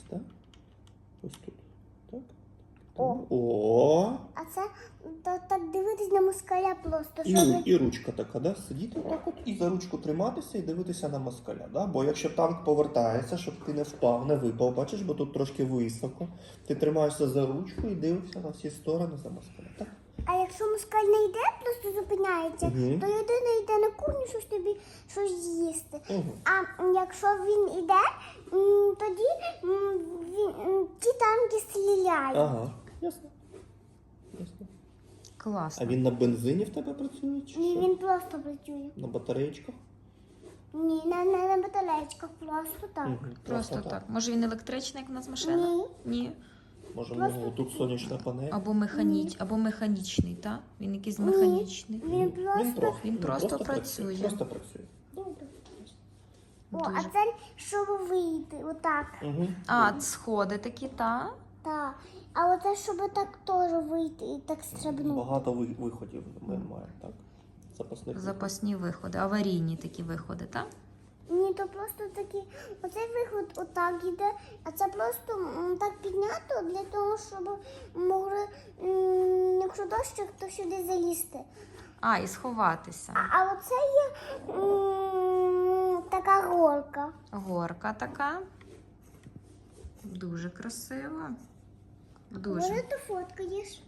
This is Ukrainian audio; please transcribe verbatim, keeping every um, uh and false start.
так? Ось тут. Так. О. О. А це то, так дивитись на москаля просто, І, щоб... і ручка така, да? Сидіти отак от і за ручку триматися і дивитися на москаля. Да? Бо якщо танк повертається, щоб ти не впав, не випав, бачиш, бо тут трошки високо. Ти тримаєшся за ручку і дивишся на всі сторони за москаля. Так? А якщо москаль не йде, просто зупиняється, Мгм. то людина йде на кухню, щось тобі щось з'їсти. Угу. А м, якщо він йде, м, тоді м, він, м, ті танки стріляють. Ага, ясно. Ясно. А Класно. він на бензині в тебе працює? Чи Ні, що? він просто працює. На батареєчках? Ні, не, не на батарейках, просто так. Мгм, Просто так. Може він електричний, як у нас машина? Ні. Ні. Може, в Просто- нього тут сонячна панель? Або механіч, або механічний, так? Він якийсь механічний. Він Він просто... просто, Він просто працює. Просто працює. Добре. О, а Дуже. це щоб вийти, отак. Угу. А, сходи такі, так? Так. А оце щоб так теж вийти і так стрибнути. Багато ви- виходів ми маємо, так? Запасних. Запасні виходи, аварійні такі виходи, так? Ні, то просто такі, оцей виход отак іде, а це просто м, так піднято для того, щоб могли, м, якщо дощик, то сюди залізти. А, і сховатися. А, а оце є м, така горка. Горка така. Дуже красиво. Дуже. Може, ти фоткаєш?